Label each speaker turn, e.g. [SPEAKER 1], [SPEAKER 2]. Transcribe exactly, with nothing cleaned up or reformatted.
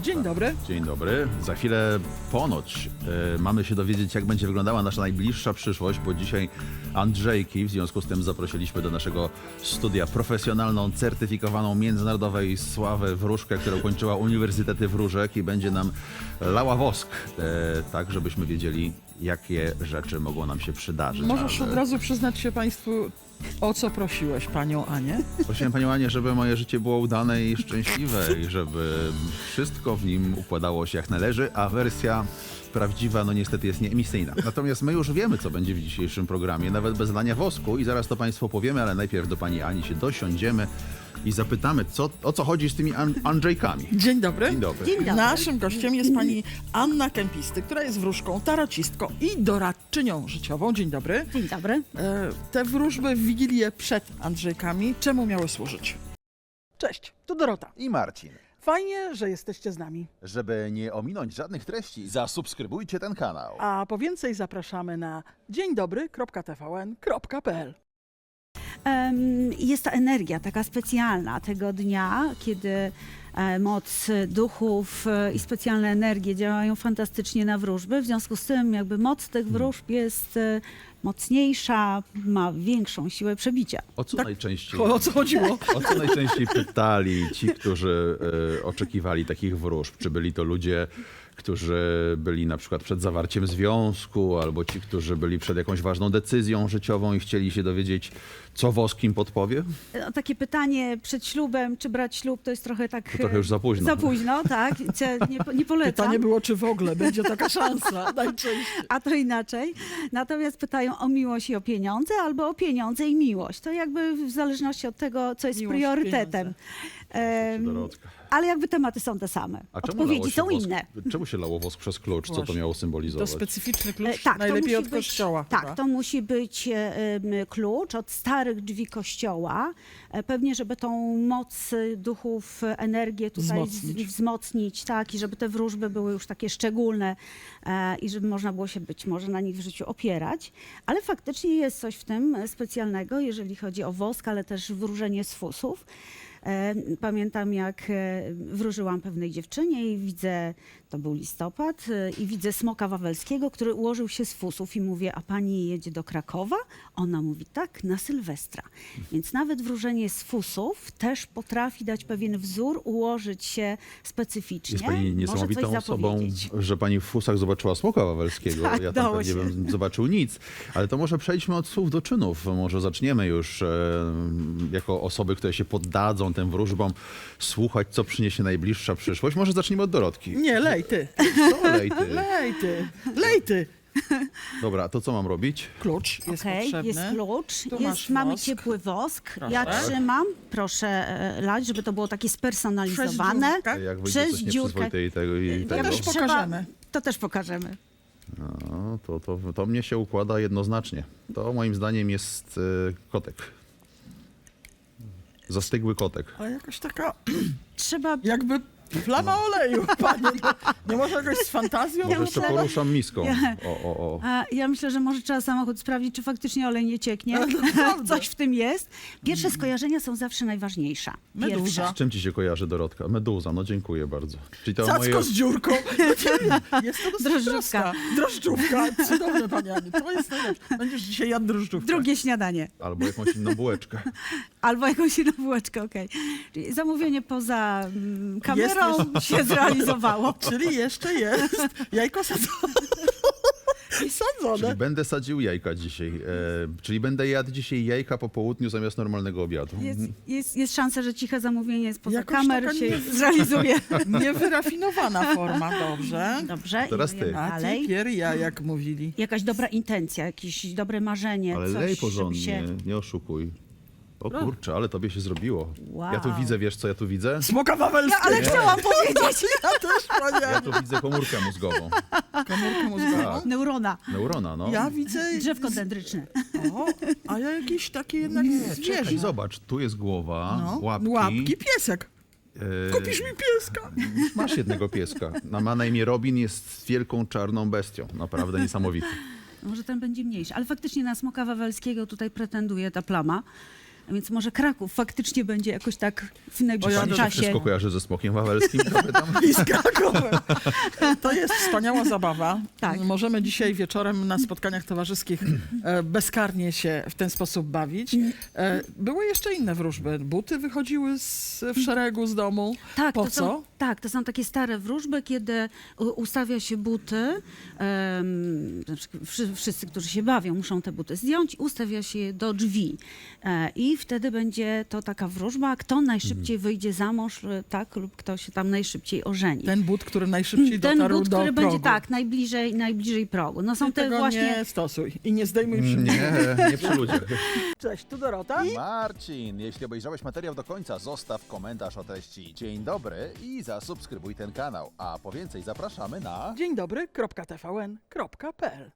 [SPEAKER 1] Dzień dobry.
[SPEAKER 2] Dzień dobry. Za chwilę ponoć y, mamy się dowiedzieć, jak będzie wyglądała nasza najbliższa przyszłość, bo dzisiaj Andrzejki, w związku z tym zaprosiliśmy do naszego studia profesjonalną, certyfikowaną międzynarodowej sławę wróżkę, która ukończyła Uniwersytety Wróżek i będzie nam lała wosk, y, tak żebyśmy wiedzieli, jakie rzeczy mogą nam się przydarzyć.
[SPEAKER 1] Możesz
[SPEAKER 2] Ale
[SPEAKER 1] od razu przyznać się Państwu, o co prosiłeś Panią Anię?
[SPEAKER 2] prosiłem Panią Anię, żeby moje życie było udane i szczęśliwe i żeby wszystko w nim układało się jak należy, a wersja prawdziwa no niestety jest nieemisyjna. Natomiast my już wiemy, co będzie w dzisiejszym programie, nawet bez lania wosku i zaraz to Państwu powiemy, ale najpierw do Pani Ani się dosiądziemy i zapytamy, co, o co chodzi z tymi An- Andrzejkami.
[SPEAKER 1] Dzień dobry.
[SPEAKER 2] Dzień dobry.
[SPEAKER 3] Dzień dobry.
[SPEAKER 1] Naszym gościem jest Pani Anna Kempisty, która jest wróżką, tarocistką i doradczynią życiową. Dzień dobry.
[SPEAKER 3] Dzień dobry.
[SPEAKER 1] E, te wróżby w Wigilię przed Andrzejkami, czemu miały służyć? Cześć, tu Dorota.
[SPEAKER 2] I Marcin.
[SPEAKER 1] Fajnie, że jesteście z nami.
[SPEAKER 2] Żeby nie ominąć żadnych treści, zasubskrybujcie ten kanał.
[SPEAKER 1] A po więcej zapraszamy na dzień dobry kropka t v n kropka p l.
[SPEAKER 3] Em, Jest ta energia taka specjalna tego dnia, kiedy e, moc duchów e, i specjalne energie działają fantastycznie na wróżby. W związku z tym jakby moc tych wróżb jest e, mocniejsza, ma większą siłę przebicia.
[SPEAKER 2] O co
[SPEAKER 1] Tak.
[SPEAKER 2] najczęściej...
[SPEAKER 1] O co chodziło?
[SPEAKER 2] O co najczęściej pytali ci, którzy e, oczekiwali takich wróżb? Czy byli to ludzie, którzy byli na przykład przed zawarciem związku, albo ci, którzy byli przed jakąś ważną decyzją życiową i chcieli się dowiedzieć, co wosk im podpowie?
[SPEAKER 3] No, takie pytanie przed ślubem, czy brać ślub, to jest trochę tak...
[SPEAKER 2] To trochę już za późno.
[SPEAKER 3] Za późno, tak. Ce- Nie, nie polecam.
[SPEAKER 1] Pytanie było, czy w ogóle będzie taka szansa najczęściej.
[SPEAKER 3] A to inaczej. Natomiast pytają o miłość i o pieniądze, albo o pieniądze i miłość. To jakby w zależności od tego, co jest
[SPEAKER 1] Miłość,
[SPEAKER 3] priorytetem. Em,
[SPEAKER 2] Dorotka.
[SPEAKER 3] ale jakby tematy są te same.
[SPEAKER 2] A czemu
[SPEAKER 3] Odpowiedzi
[SPEAKER 2] lało się
[SPEAKER 3] są
[SPEAKER 2] wosk,
[SPEAKER 3] inne.
[SPEAKER 2] Czemu się lało wosk przez klucz? Co to
[SPEAKER 1] Właśnie.
[SPEAKER 2] miało
[SPEAKER 1] To
[SPEAKER 2] symbolizować?
[SPEAKER 1] specyficzny
[SPEAKER 3] E,
[SPEAKER 1] klucz,
[SPEAKER 3] tak, to
[SPEAKER 1] najlepiej
[SPEAKER 3] musi
[SPEAKER 1] od
[SPEAKER 3] być,
[SPEAKER 1] kościoła.
[SPEAKER 3] Tak,
[SPEAKER 1] chyba.
[SPEAKER 3] to musi być e, em, klucz od starych drzwi kościoła. E, Pewnie, żeby tą moc e, duchów, e, energię tutaj
[SPEAKER 1] Wzmocnić.
[SPEAKER 3] z- wzmocnić, tak, i żeby te wróżby były już takie szczególne e, i żeby można było się być może na nich w życiu opierać. Ale faktycznie jest coś w tym e, specjalnego, jeżeli chodzi o wosk, ale też wróżenie z fusów. E, Pamiętam, jak e, wróżyłam pewnej dziewczynie i widzę, to był listopad, e, i widzę smoka wawelskiego, który ułożył się z fusów i mówię, a pani jedzie do Krakowa? Ona mówi, tak, na Sylwestra. Więc nawet wróżenie z fusów też potrafi dać pewien wzór, ułożyć się specyficznie.
[SPEAKER 2] Jest pani
[SPEAKER 3] może
[SPEAKER 2] niesamowitą
[SPEAKER 3] coś
[SPEAKER 2] osobą,
[SPEAKER 3] zapowiedzieć.
[SPEAKER 2] że pani w fusach zobaczyła smoka wawelskiego.
[SPEAKER 3] Tak,
[SPEAKER 2] ja tam
[SPEAKER 3] dało
[SPEAKER 2] pewnie
[SPEAKER 3] się.
[SPEAKER 2] bym zobaczył nic. Ale to może przejdźmy od słów do czynów. Może zaczniemy już e, jako osoby, które się poddadzą tym wróżbom, słuchać, co przyniesie najbliższa przyszłość. Może zacznijmy od Dorotki.
[SPEAKER 1] Nie, lej ty.
[SPEAKER 2] Co lej ty?
[SPEAKER 1] Lej ty. Lej ty.
[SPEAKER 2] Dobra, a to co mam robić?
[SPEAKER 1] Klucz jest
[SPEAKER 3] Okej,
[SPEAKER 1] potrzebny.
[SPEAKER 3] jest klucz,
[SPEAKER 1] Tu masz
[SPEAKER 3] jest, mamy
[SPEAKER 1] wosk.
[SPEAKER 3] ciepły wosk.
[SPEAKER 1] Proszę.
[SPEAKER 3] Ja trzymam, proszę e, lać, żeby to było takie spersonalizowane.
[SPEAKER 1] Przez dziurkę.
[SPEAKER 2] Jak wyjdzie
[SPEAKER 3] Przez
[SPEAKER 2] coś
[SPEAKER 3] dziurkę.
[SPEAKER 2] nieprzyzwoite i tego, i
[SPEAKER 1] To
[SPEAKER 2] tego.
[SPEAKER 1] też
[SPEAKER 3] Trzeba-
[SPEAKER 1] pokażemy.
[SPEAKER 3] To też pokażemy.
[SPEAKER 2] No, to, to, to mnie się układa jednoznacznie. To moim zdaniem jest e, kotek. Zastygły kotek.
[SPEAKER 1] Ale jakaś taka
[SPEAKER 3] Trzeba
[SPEAKER 1] jakby plama oleju, panie. No, nie może jakoś z fantazją?
[SPEAKER 2] Może jeszcze
[SPEAKER 3] myślę-
[SPEAKER 2] poruszam miską.
[SPEAKER 3] Ja-
[SPEAKER 2] O, o, o.
[SPEAKER 3] A ja myślę, że może trzeba samochód sprawdzić, czy faktycznie olej nie cieknie.
[SPEAKER 1] naprawdę.
[SPEAKER 3] Coś w tym jest. Pierwsze skojarzenia są zawsze najważniejsze.
[SPEAKER 1] Meduza.
[SPEAKER 3] Pierwsze.
[SPEAKER 2] Z czym ci się kojarzy, Dorotka? Meduza, no dziękuję bardzo. Czyli to
[SPEAKER 1] Cacko
[SPEAKER 2] moje...
[SPEAKER 1] z dziurką. Jest to dosyć
[SPEAKER 3] Drożdżówka.
[SPEAKER 1] prosta. Drożdżówka. Cudowne, panie Aniu. To jest najlepsze. Będziesz dzisiaj jadł drożdżówkę.
[SPEAKER 3] Drugie śniadanie.
[SPEAKER 2] Albo jakąś inną bułeczkę.
[SPEAKER 3] Albo jakąś inną bułeczkę, okej. Czyli zamówienie poza mm, kamerą
[SPEAKER 1] Jest
[SPEAKER 3] się zrealizowało.
[SPEAKER 1] Czyli jeszcze jest jajko sadzone.
[SPEAKER 2] Czyli
[SPEAKER 1] Sadzone.
[SPEAKER 2] będę sadził jajka dzisiaj. E, czyli będę jadł dzisiaj jajka po południu zamiast normalnego obiadu.
[SPEAKER 3] Jest, jest, jest szansa, że ciche zamówienie spoza
[SPEAKER 1] Jakoś
[SPEAKER 3] kamer
[SPEAKER 1] taka
[SPEAKER 3] się
[SPEAKER 1] nie-
[SPEAKER 3] zrealizuje.
[SPEAKER 1] Niewyrafinowana forma. Dobrze.
[SPEAKER 3] Dobrze,
[SPEAKER 2] Teraz
[SPEAKER 3] idziemy
[SPEAKER 2] ty.
[SPEAKER 1] A ty
[SPEAKER 3] dalej.
[SPEAKER 1] pier ja, jak mówili.
[SPEAKER 3] Jakaś dobra intencja, jakieś dobre marzenie,
[SPEAKER 2] Ale
[SPEAKER 3] coś,
[SPEAKER 2] lej
[SPEAKER 3] żeby
[SPEAKER 2] porządnie,
[SPEAKER 3] się...
[SPEAKER 2] nie oszukuj. O kurczę, ale tobie się zrobiło.
[SPEAKER 3] Wow.
[SPEAKER 2] Ja tu widzę, wiesz co ja tu widzę?
[SPEAKER 1] Smoka wawelskiego.
[SPEAKER 3] Ale chciałam powiedzieć
[SPEAKER 1] Ja też, panie
[SPEAKER 2] Ja
[SPEAKER 1] Aniu.
[SPEAKER 2] tu widzę komórkę mózgową.
[SPEAKER 1] Komórkę mózgową.
[SPEAKER 2] Tak.
[SPEAKER 3] neurona,
[SPEAKER 2] Neurona, no.
[SPEAKER 1] Ja widzę...
[SPEAKER 3] drzewko dendryczne.
[SPEAKER 1] O, a ja jakieś takie jednak
[SPEAKER 2] Nie,
[SPEAKER 1] zwierzę.
[SPEAKER 2] czekaj, zobacz, tu jest głowa,
[SPEAKER 1] No,
[SPEAKER 2] łapki.
[SPEAKER 1] łapki, piesek.
[SPEAKER 2] e,
[SPEAKER 1] Kupisz mi pieska.
[SPEAKER 2] Masz jednego pieska. Na- Ma na imię Robin, jest wielką czarną bestią. Naprawdę niesamowity.
[SPEAKER 3] Może ten będzie mniejszy, ale faktycznie na smoka wawelskiego tutaj pretenduje ta plama. Więc może Kraków faktycznie będzie jakoś tak w
[SPEAKER 2] Pani
[SPEAKER 3] najbliższym
[SPEAKER 2] się
[SPEAKER 3] czasie.
[SPEAKER 2] wszystko kojarzy ze Smokiem Wawelskim? Zapytam.
[SPEAKER 1] I z Krakowem. To jest wspaniała zabawa.
[SPEAKER 3] Tak.
[SPEAKER 1] Możemy dzisiaj wieczorem na spotkaniach towarzyskich e, bezkarnie się w ten sposób bawić. E, były jeszcze inne wróżby. Buty wychodziły z, w szeregu z domu.
[SPEAKER 3] Tak,
[SPEAKER 1] Po
[SPEAKER 3] to
[SPEAKER 1] co?
[SPEAKER 3] Są, tak, to są takie stare wróżby, kiedy u- ustawia się buty, em, na przykład wszy- wszyscy, którzy się bawią, muszą te buty zdjąć, ustawia się je do drzwi. E, I wtedy będzie to taka wróżba, kto najszybciej wyjdzie za mąż, e, tak, lub kto się tam najszybciej ożeni.
[SPEAKER 1] Ten but, który najszybciej
[SPEAKER 3] Ten
[SPEAKER 1] dotarł
[SPEAKER 3] but,
[SPEAKER 1] do
[SPEAKER 3] który
[SPEAKER 1] progu.
[SPEAKER 3] będzie tak, najbliżej, najbliżej progu. No są
[SPEAKER 1] Ty
[SPEAKER 3] te
[SPEAKER 1] tego
[SPEAKER 3] właśnie...
[SPEAKER 1] nie stosuj i nie zdejmuj przy mnie.
[SPEAKER 2] Nie, nie przy ludziach.
[SPEAKER 1] Cześć, tu Dorota.
[SPEAKER 4] Marcin, jeśli obejrzałeś materiał do końca, zostaw komentarz o treści dzień dobry i zasubskrybuj ten kanał. A po więcej zapraszamy na...
[SPEAKER 1] Dzień dobry, kropka t v n kropka p l